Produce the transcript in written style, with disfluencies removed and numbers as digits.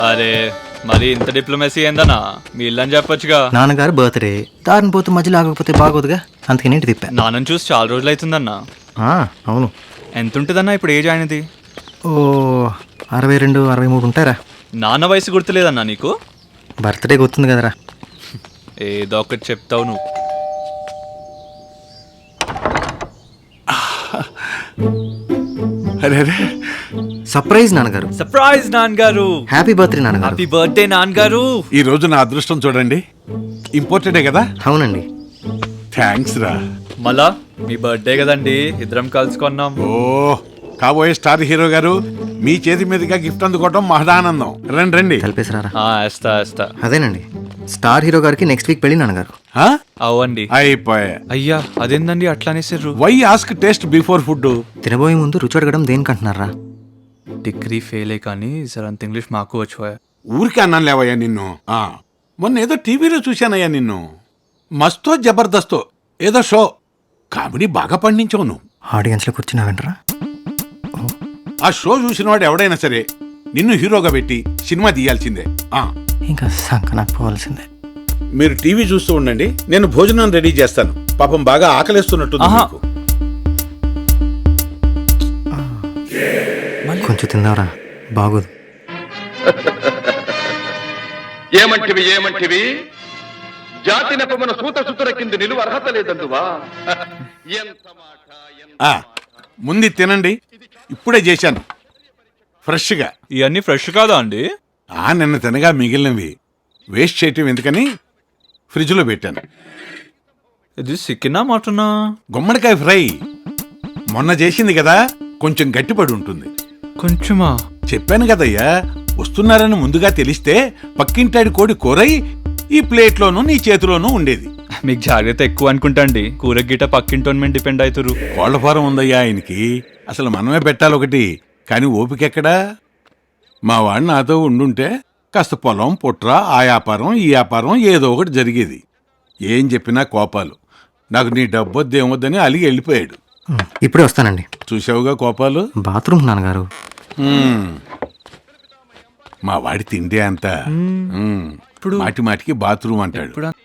అరే మరి ఇంత డిప్లొమసీ ఏందన్నా మీ ఇల్లని చెప్పొచ్చుగా. నాన్నగారు బర్త్డే దారిని పోతే మధ్యలో ఆగకపోతే బాగోదుగా, అందుకని ఇంటి తిప్పా. నాన్నని చూసి చాలా రోజులు అవుతుందన్నా. అవును, ఎంత ఉంటుందన్నా ఇప్పుడు ఏజ్ ఆయనది? ఓ 62 63 ఉంటారా. నాన్న వయసు గుర్తులేదన్నా నీకు? బర్త్డే గుర్తుంది కదరా. ఏదో ఒకటి చెప్తావు నువ్వు. అరే అరే సర్ప్రైజ్ నాన్నగారు. సర్ప్రైజ్ నాన్నగారు. హ్యాపీ బర్త్డే నాన్నగారు. హ్యాపీ బర్త్డే నాన్నగారు. ఈ రోజు నా అదృష్టం చూడండి, ఇంపార్టెంటే కదా. అవునండి. థ్యాంక్స్ రా. మళ్ళా మీ బర్త్డే కదండి, ఇద్దరం కలుసుకున్నాం. ఓ కాబోయే స్టార్ హీరో గారు, మీ చేతి మీదుగా గిఫ్ట్ అందుకోవటం మహదానందం. రండి రండి. కలిపేసిరారా. వేస్తా. అదేనండి, స్టార్ హీరో గారికి నెక్స్ట్ వీక్ పెళ్ళి నాన్నగారు. ఆ? అవ్వండి. అయిపోయా. అయ్యా అదేందండి అట్లా అనేసారు? Why ask taste before food. తినబోయే ముందు రుచి అడగడం దేనికంటున్నారా? డిగ్రీ ఫెయిల్ కానీ సార్ అంత ఇంగ్లీష్ మాకు వచ్చి. ఊరికే అన్నాను లేవయ్యా నిన్ను. మొన్న ఏదో టీవీలో చూశానయ్యా నిన్ను. మస్తో జబర్దస్తో ఏదో షో, కామెడీ బాగా పండించావు నువ్వు. ఆడియన్స్ లో కూర్చున్నా వెంటరా. ఆ షో చూసిన వాడు ఎవడైనా సరే నిన్ను హీరోగా పెట్టి సినిమా తీయాల్సిందే. ఇంకా సంకనాకు పోవాల్సిందే. మీరు టీవీ చూస్తూ ఉండండి, నేను భోజనం రెడీ చేస్తాను. పాపం బాగా ఆకలిస్తున్నట్టుంది మీకు. కొంచెం తిందావరా, బాగోదు. ఏమంటివి జాతి నెపమున సూత సుతుర కింద నిలువ అర్హత లేదందువా? ఎంత మాట. ముందు తినండి, ఇప్పుడే చేశాను ఫ్రెష్గా. ఇవన్నీ ఫ్రెష్ కాదా అండి? నిన్న తినగా మిగిలినవి వేస్ట్ చేయటం ఎందుకని ఫ్రిడ్జ్లో పెట్టాను. ఇది చికెనా మటనా? గుమ్మడికాయ ఫ్రై మొన్న చేసింది కదా, కొంచెం గట్టిపడి ఉంటుంది. కొంచెమా? చెప్పాను కదయ్యా, వస్తున్నారని ముందుగా తెలిస్తే పక్కింటాడి కోడి కూరై ఈ ప్లేట్లోనూ నీ చేతిలోనూ ఉండేది. మీకు జాగ్రత్త ఎక్కువ అనుకుంటా అండి, కూర గిట్ట పక్కింటోన్ మీద డిపెండ్ అవుతారు. కోళ్ల ఫారం ఉందయ్యా ఆయనకి, అసలు మనమే పెట్టాలి ఒకటి, కానీ ఓపికెక్కడా. మా వాడు నాతో ఉండుంటే కాస్త పొలం పుట్ర, ఆ వ్యాపారం ఈ వ్యాపారం ఏదో ఒకటి జరిగేది. ఏం చెప్పినా కోపాలు. నాకు నీ డబ్బొద్దు ఏమొద్దని అలిగి వెళ్ళిపోయాడు. ఇప్పుడే వస్తానండి. చూసావుగా కోపాలు. బాత్రూమ్ నాన్నగారు. మా వాడి తిండి అంతా మాటి మాటికి బాత్రూమ్ అంటాడు.